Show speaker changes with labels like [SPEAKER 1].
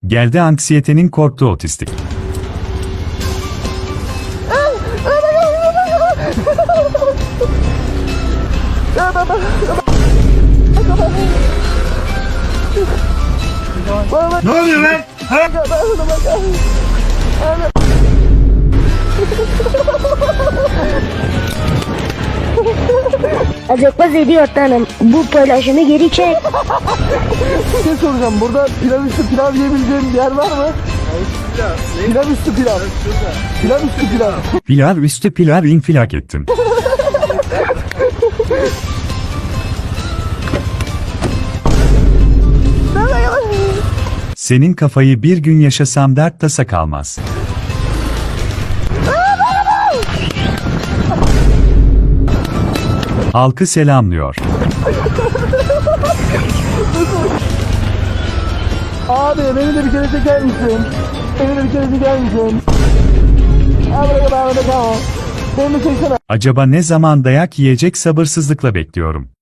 [SPEAKER 1] Geldi anksiyetenin korktuğu otistik.
[SPEAKER 2] Ne oluyor lan? Ha?
[SPEAKER 3] Acaba ediyor tanım. Bu paylaşımı geri çek.
[SPEAKER 4] Bir şey soracağım. Burada pilav üstü pilav yiyebileceğim bir yer var mı? Pilav üstü pilav. Pilav üstü pilav.
[SPEAKER 1] Pilav üstü pilav infilak ettin. Senin kafayı bir gün yaşasam dert tasa kalmaz. Halkı selamlıyor.
[SPEAKER 4] Abi beni de bir kere çeker misin? Beni de bir kere çeker misin? Abi beni de çeksene.
[SPEAKER 1] Acaba ne zaman dayak yiyecek sabırsızlıkla bekliyorum.